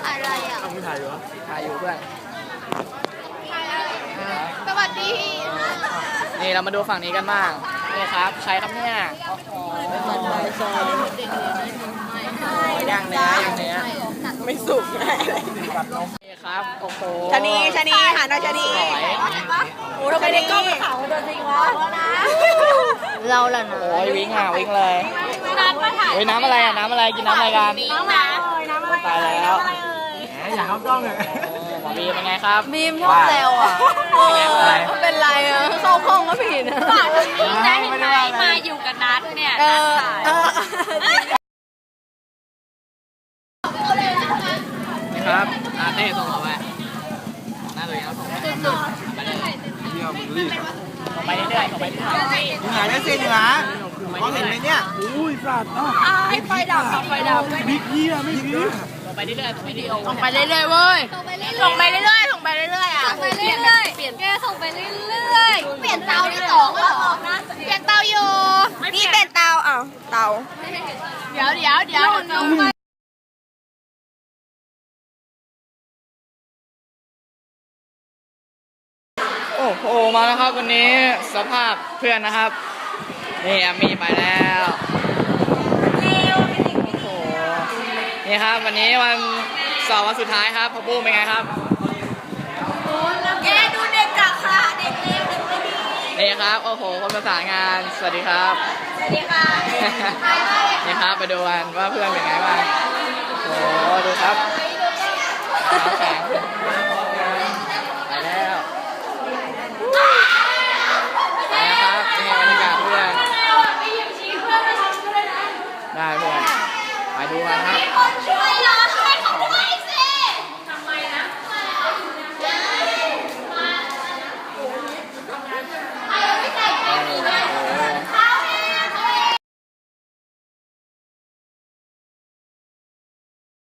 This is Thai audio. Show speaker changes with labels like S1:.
S1: ถ่ายอะไรอ่ะ
S2: ต้องไม่ถ่ายอยู่วะ
S3: ถ่ายอยู่เพื่อน
S1: สวัสดี
S3: นี่เรามาดูฝั่งนี้กันบ้างนี่ครับใครครับเนี่ยโอ้โหย่างเนื้อไม่สุกแบบนมนี่ครับโอ้โห
S4: ชะนีหาหน่อยชะนี
S3: สวย
S4: โอ้ทำไมในกล้องขาวตัวจริงวะ
S1: เราล่ะนะ
S3: โอ้ยวิ่งเลย
S1: น้ำมาถ่าย
S3: โอ้ยน้ำอะไรอ่ะน้ำอะไรกินน้ำอะไรกัน
S1: น้ำนะ
S3: ตายแล้ว
S2: แหมอยากเข้ากล้องเลย
S3: หมอบีเป็นไงครับ
S4: บีมชอบแซวอ่ะเป็นไรอ่ะเข้าห้องก็ผิดนะ
S1: ได้เห็นไหมมาอยู่กับนัดเนี่ย
S3: นี่ครับอาเต้ส่งเราไปหน้าตัวเองเขาส่งไปเรื่อย
S2: เที่ยวมึงรีบ
S3: ๆส่งไปเรื่อยๆ
S2: อยู่ไหนแล้วเซียนอยู่นะมองเห็นไหมเนี่ยอุ้ยสัตว์อ้าว
S4: ไฟดับ
S2: บิ๊กเฮียไม่บิ๊ก
S3: ส่งไปเรื่อยๆส่งไปเรื่อยๆ
S4: ส่งไปเรื่อยๆเว้ย
S1: ส่งไปเรื่อยๆอ่ะส่งไปเรื่อยๆเปลี่ยนแกส่งไปเรื่อยๆเปลี่ยนเตาที่สองแล้วเปลี่ยนเตาอยู่
S4: นี่เป็นเตาอ้าวเตา
S1: เดี๋ยวลงไป
S3: โอ้โหมาแล้วครับวันนี้สภาพเพื่อนนะครับนี่อามี่ไปแล้วโอ้โหนี่ครับวันนี้วันสอบวันสุดท้ายครับพ่อปุ้มเป็นไงครับ
S4: แกดูเด็กกะค่ะเด็กเล็กเด็กไม่ดี
S3: นี่ครับโอ้โหคนประสานงานสวัสดีครับ
S4: สวัสดีค่ะ
S3: นี่ครับไปดูกันว่าเพื่อนเป็นไงบ้างโอ้โหดูครับแข็งไปแล้วไปแล้วครับนี่บรรยากาศเพื่อนได้เพื่อนไปดูกันครับ
S1: ช่วยเรา